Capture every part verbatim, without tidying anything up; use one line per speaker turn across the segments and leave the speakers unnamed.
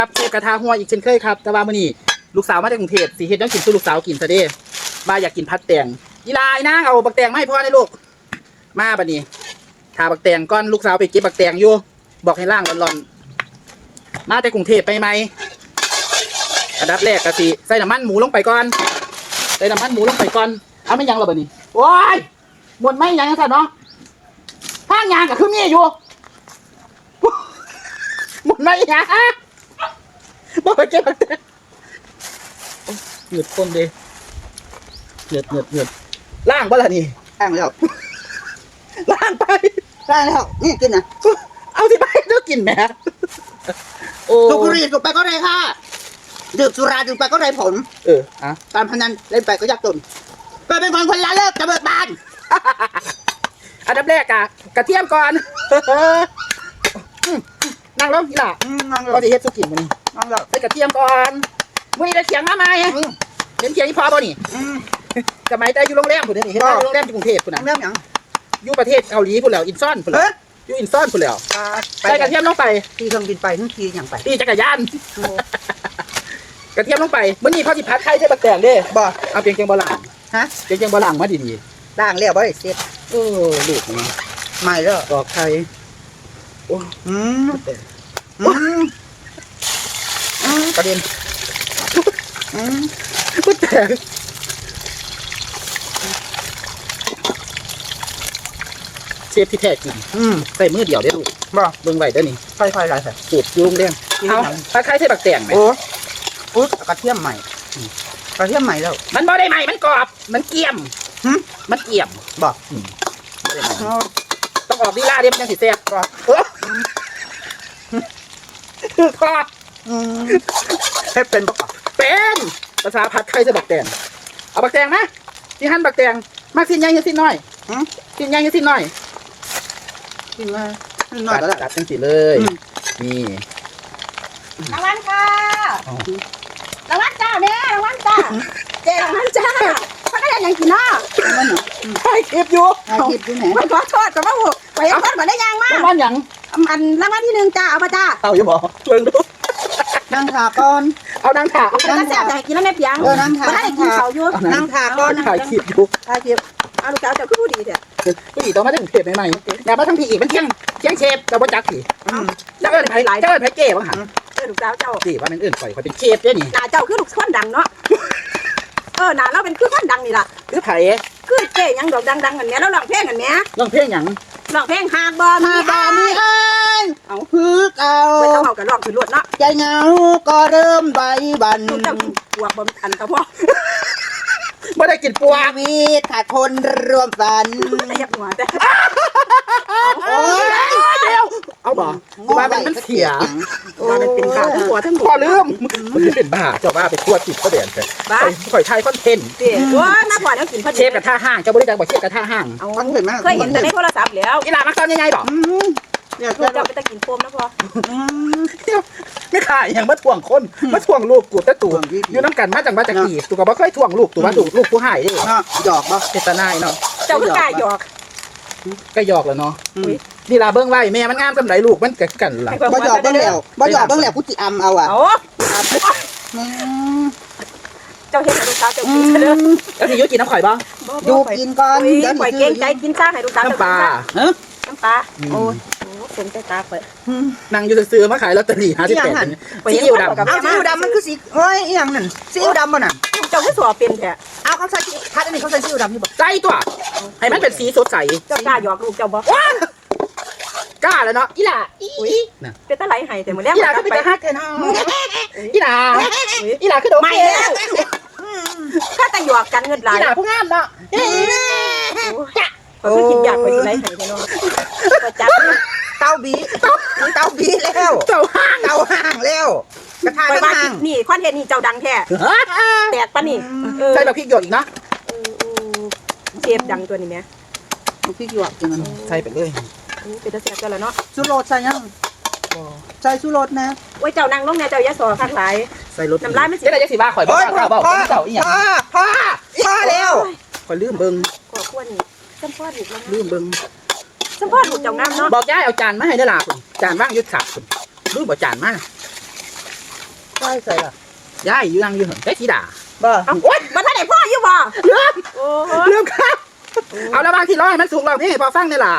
ครับเชฟกระทะหัวอีกเช่นเคยครับแต่ว่ามื้อนี้ลูกสาวมาจากกรุงเทพสิเฮ็ดยังกินสู่ลูกสาวกินซะเด้มาอยากกินผัดแตงอีลายนางเอาบักแตงมาให้พ่อได้ลูกมาบัดนี้ทาบักแตงก่อนลูกสาวไปเก็บบักแตงอยู่บอกให้ล่างร้อนๆมาจากกรุงเทพไปไหมอันดับแรกก็สิใส่น้ำมันหมูลงไปก่อนใส่น้ำมันหมูลงไปก่อนเอาไม่ยังหรอบัดนี้โอ้ยหมดไม่ยังซะเนาะทางยางก็คือมีอยู่หมดไม่ยังบอกไปเก็บบักแตงเหงือดคนเด้เหงือดเหงือดเหงือดล่างบ่ล่ะนี่
ล้างแล้ว
ล่างไป
ล้างแล้วนี่กินนะ
เอาที่ไปเจ้ากินแหมโอ้
สูบบุหรี่สูบไปก็ได้ค่ะดื่มสุราดื่มไปก็ได้ผล
เอออ่ะ
การพนันเล่นไปก็ยากจนก็เป็นคนคนละเลิกจะเบิกบาน
อันดับแรกอะกระเทียมก่อนนั่งลงทีหล่ะ
อืมนั่ง
ก็
แล้ว
จะเฮ็ดสุกินมัน
นั่งแล้ว
ใส่กระเทียมก่อนมื้อนี้ได้เสียงมาไหมเห็นเสียงอีพอบ่นี่
อืม
สมัยแต่อยู่โรงแรมพุ่นนี่เห็นว่าอยู่โรงแรมที่กรุงเทพพุ่น
นั่
น่ะ
งแล้วยัง
อยู่ประเทศเกาหลีพุ่นแล้วอินซอนพุ่นแล้
เฮ้
วย อยู่อินซอนพุ่นแล้ว
ไป
ใส่กระเทียมลงไป
ขี่เครื่องบินไปนู่นขี่อย่างไป
ตีจักรยานกระเทียมลงไปมื้อนี้เขาสิผัดไข่ใส่บักแตงเด้
บ่
เอาเพียงเพียงบ่หลัง
ฮะ
เพียงเพียงบ่หลังมาดี
ล้างแล้วบ่ได้เสร็จ
ๆเออลูกนี่
ไม่แล้ว
ตอกไข่โอ้
อืมอืมอืม
ประเด็น
อืม
ก็แตกเชฟที่แท้จริง
อืม
ใส่มือเดียวได้อลูก
บ่
เบิ่งไว้เด้อนี่
ค่อยๆไล่ใส่
สูตรยุ่งเรื่องเอาถ้าใครใส่บักแตงไหม
โอ้อุ๊ยกระเทียมใหม่กระเทียมใหม่แล้ว
มันบ่ได้ใหม่มันกรอบ มันเกรียม
หึ
มันเกรียม
บ่
อืมบ่ได้ใหม่
เอา
ต้องออกลีลาเดียวมันยังสิแซ่บกรอบเออคือกรอบ
อืมเฮ็ดเป็นบ่
เป็นภาษาผัดไข่ใส่บักแตงเอาบักแตงนะที่หั่นบักแตงมักสิ้นใหญ่หรือสิ้นน้อย
หึ
สิ้นใหญ่หรือสิ้นน้อย
กินมาน้อยก็ได้
ตัดจังสิเลย
อืม
นี่
รางวัลค่ะ
อ๋อ
รางวัลจ้าแม่รางวัลจ้าเจ๊รางวัลจ้าพักกันยังกินเนาะ
มันน่ะ
ถ่ายคลิปอยู่
ถ่ายคลิปอยู่ไหน
มันขอโทษกับว่าหูไปยังคนมาได้ยังมา
รางวัลหยัง
อันรางวัลที่หนึ่งจ้าเอามาจ้า
เอาอยู่บ่เบิ่งดู
นั่งขาก่อน
เอานางถา
แล้วก็แซ่บแต่กินแล้วแม่เปียง
เออนั่งทาน
ไม่ได้กินเขาอยู่
นั่งขาก่อน
ถ่ายคลิปอยู่
ถ่ายคลิปเอาลูกสาวเจ้าคือผู้ดีเถอะ
ผู้หญิงต้องมาถึงเทปใหม่ๆแต่มาทั้งพี่อีกมันเที่ยงเที่ยงเชฟแต่ว่าจักสิ
อืม
เจ้าเอิญไผ่เจ้าเอิญไผ่เก้บ้างหัน
เออลูกสาวเจ้า
สิว่ามันเอิญข่อยข่อยเป็นเชฟเด้นี่
หน้าเจ้าคือลูกคนดังเนาะเออหน้าเราเป็นคือคนดังนี่ล่ะ
คือไผ่
คือเจ๊ยังดอกดังๆกันเนี้ยแล้วร้องเพลงกันเนี้ย
ร้องเพลงหยัง
ร้องเพลงหากบอมี
มาบามีอ้ายเอาคือเก่า
ไม่ต้องเอากันร้องคือรวดเนาะ
ใจเหงาก็เริ่มใบบัน
ลูกเจ้ากินปวกบ่อันกระเพาะ
ไม่ได้กินปัว
ชีวิตขาดคนรวมฝัน
แต่ยับหัวแต่
โอ้ย
เดี๋ยวเอาบ่ว่ามันมันเสีย
ว่ามันเป็นขาทั้งหัวทั้ง
พอลืมมันเป็นบ้าเจ้าว่าไปทั่วจิตก็เด่นแต่
บ้า
ข่อยไทยคอนเทนต์
เตี๋ยว่ามาก่อนแล้วกินพอดี
เชฟกับท่าห้างเจ้าบริการบอกเชฟกับท่าห้าง
เอา
มันเห็นไหม
เคยเห็นแต่ในโทรศัพท์แล้ว
อีหลามักตอนยังไงบอก
อืมเนี่ย
ลูกเจ้าไปตะกินโฟมนะพ่อ
อืม
ไม่ขายอย่างมาถ่วงคนมาถ่วงลูกกูแต่ตู่อยู่น้ำกันมาจากมาจากกี่ตู่ก็บ่เคยถ่วงลูกตู่ว่าตู่ลูกกูหายเด้
เนาะหยอกบ่
เจตนายเนาะ
เจ้าคือกล้าหยอก
ก็หยอกแล้วเนาะ
อืม
นี่ลาเบิ้งไว้แม่มันงามสำไรลูกมันกักันล่ะ
บ่หยอกเบิ่งแล้วบ่หยอกเบิ่งแล้วกูจิอำเอาอ่ะ
เอา
อืม
เจ้าเห็นลูกสาวเจ้า
อื
กินเด้อ
ม
แล้วสิยุกินน้ำข่อยบ้าง
อยู่กินก่อน
อุ้ย
เดี๋ยว
ปล่อย
นี่
เก่งใจกินซ่าให้ลูกสาว
น้ำปลา
เอ้อ
น้ำปลา
อืม
โอ้ยโอ้เป็นใจตาเปิด
อืม
นั่งอยู่ซื้อๆมาขายลอตเตอรี่ห้าสิบแปดซีอิ๊วดำ
เอาซีอิ๊วดำมันคือสีโอ้ยอีหยังนั่นซีอิ๊วดำบ่น่ะ
เจ้าคือสัวเป็นแท้
เอาเขาใส่พัดอันนี้เขาใส่ซีอิ๊วดำนี่บ่
ใจตัวให้มันเป็นสีสดใส
เจ้ากล้าหยอกลูกเจ้าบ่
กล้าแล้วเนาะอีหล่าอีน่ะ
เป็นตะไหลให้แต่มื้อแรก
อีหล่าก็เป็นตาฮักแท้เนาะอีหล่าอีหล่าคือโดน
ไม่แล้วถ้าแต่หยอกกันเงินไหล
อีหล่าผู้งามเนาะ
โอ้ยคิดอยากไปสิไหลให้แท้เนาะประจับ
เตาบีเตาบีแล้ว
เจ้าห้าง
เตาห่างแล้วกระทะ
ไป
ก็
ว่า
ห่าง
นี่คอนเทนต์นี่เจ้าดังแท้แตกปะนี่เออ
ใส่แบบพริกหยดอีกนะ
เชฟดังตัวนี้แม่
เอาพริกหยวกกินมัน
ใส่ไปเลย
เป็นตะเสียกันแล้วเนาะ
ชูรสใส่ยังใส่ชูรสนะ
โอ้ยเจ้านั่งลงเนี่ยเจ้ายะสอข้างหลาย
ใส่รส
น้ำลายไม่สิ
ได้ยังสิว่าข่อยบ่ข่าวเบาเจ้าอีหยัง
พ่อพ่อพ่อแล้ว
ข่อยลืมเบิ่ง
กว่าควรนี่สัมพ่อถูกแล้ว
ลืมเบิ่ง
สัมพ่อถูกเจ้างามเนาะ
บอกยายเอาจานมาให้ได้ล่ะคุณจานว่างยุดขาดคุณลืมบ่จานมา
ใช่ใส่ละ
ยายอยู่นั่งอยู่เหินได้สีด่า
บ่
เอาโอ๊ย
มันท่านไหนพ่ออยู่บ่
เริ่ม
โอ้ย
เริ่มครับเอาแล้วบางทีร้อยมันสุกเราพี่พอฟังได้ล่ะ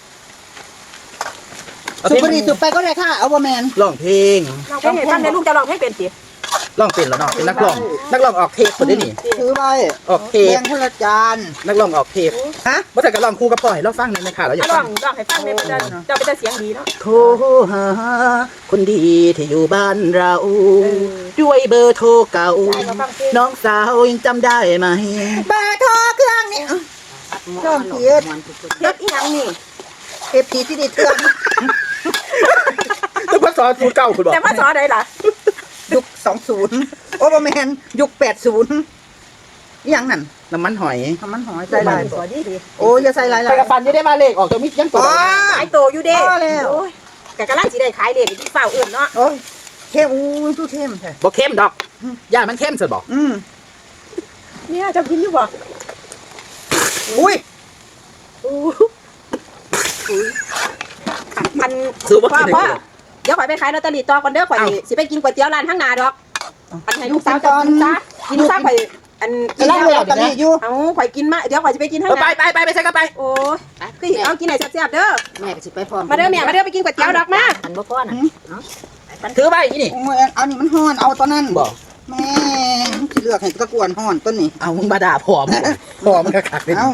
เอา
สุ
เพลง
บรีสุบไปก็ได้ค่ะเอาบ่แมน
ร้องเพลง
ลองเพลงให้ฟังในลูกจะลองเพลงเป็นสิ
ร้องเป็นแล้วเนาะเป็นนักร้องนักร้องออกเทปคนได้นี่
ถือไว้
ออกเท
แบ่
ป
งคนละจาน
นักร้องออกเทป
ฮะ
บ่แต่ก็ร้องคู่กับปล่อยเราฟังในอยค่ะเราอยาก
ล
ฟั
อง งลองให้ฟังในประเด็นเจ้าเป็นแต่เสียงดีเนาะ
โทรหาคนดีที่อยู่บ้านเรา ด้วยเบอร์โทรเก่า น้องสาวยังจำได้ไหม
เบอร์โทรเครื่องนี่น้องเพียร
เฮ็ดอีหยังนี่
เอฟพีที่ได้เทือน
ต้องมาสอนสูตรเก่าคุณบอก
แต่ว่าสอนได้ล่ะ
ยุคสองศูนย์โอ้บ่แมนยุคแปดศูนย์ยังนั่น
น้ำมันหอย
ทำมันหอยใส่ลาย
สอนดีดี
โอ้ยอย่าใส่ลาย
ไป
ลาย
กับฟันยังได้มาเลขออกจากมิดยังตัว
อ๋อ
ขายโตอยู่เด้
พอแล้ว
โอ้ยแต่กำลังสิได้ขายเลขที่เฝ้าอื่นเนาะ
โอ้ยเข้มอู้ยตู้เข้มแท้
บอกเข้มดอกย่ามันเข้มสุดบอก
อืม
เนี่ยเจ้ากินอยู่บ่
อุ้ย
อู้มัน
ซื้อว่า
พ่อ
กิน
พ่อ
ได้
เดี๋ยวข่อยไปขายลอตเตอรี่ต่อก่อนเด้อข่อย
เอ้า
สิสิไปกินก๋วยเตี๋ยวร้านข้างหน้าดอกอันให้ลูกสาวจะกินซะกินซะข่อยอัน
กินแล้วลอตเตอรี่อยู่
เอาข่อยกินมาเดี๋ยวข่อยจะไปกินข้าง
เออ
ห
ไป
น้า
ไปไปไปใช่ก็ไป
โอ้ยคือเอากินไหนแซ่บๆเด้อ
แม่ก็สิไปพร้อม
มาเด้อแม่มาเด้อไปกินก๋วยเตี๋ยวดอกมา
อันบ่พอน่ะเนาะ
ถือไปอีนี่
โอ้ยเอานี่มันห่อนเอาตอนนั้น
บอก
แม่ที่เลือกให้ตะกวนห่อนต้นนี้
เอามึงมาด่าพอมพอมันกระขักเลย
เอา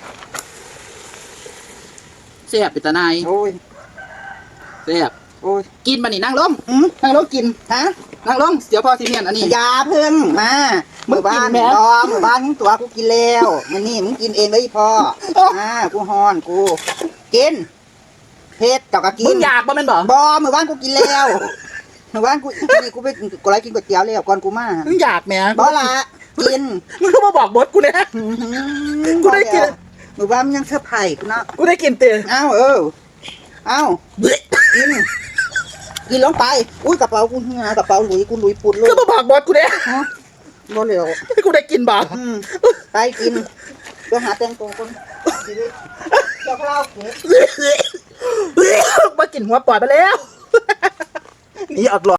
เสียบปิตานาย
โอ้ย
เสียบ
โอ้ย
กินมานี่นั่งลง
อืม
นั่งลงกิน
ฮะ
นั่งลงเดี๋ยวพอสิเมียนอันนี้
อยาเพิ่งมาหมู่บ้าน
มึงกินแม่
รอหมู่บ้านมึงตัวกูกินแล้วมันนี่มึงกินเองเลยพ่ออ่ากูห่อนกูกินเพชรเจ้าก็กิ
มึ
น
งอยากบ่แม่นบ่
บอหมู่บ้านกูกินแล้วหมู่บ้านกูนี่กูไปกูไรกินก๋วยเตี๋ยวแล้วก่อนกูมา
มึงอยากแหม่
บอละกิน
มึงก็มาบอกบดกูเนี่ย
อื้อหือ
กูได้กิน
หมู่บ้านมันยังเสื้อร์ไผ่กูเนาะ
กูได้กินเตือ
เอ้าเออเอ้ากินกินลงไปอุ้ยกระเป๋ากูเหียกระเป๋าหลุยกูหลุยปุ่นเลย
ก็มาบอกบดกูเนี่ย
ฮะบ่เหลียว
กูได้กินบ่
อืมไปกินไปหาแตงโมคนชีวิตเจ้าข้าวเก็บ
มากินหัวปอดไปแล้ว นี่ออกหลอด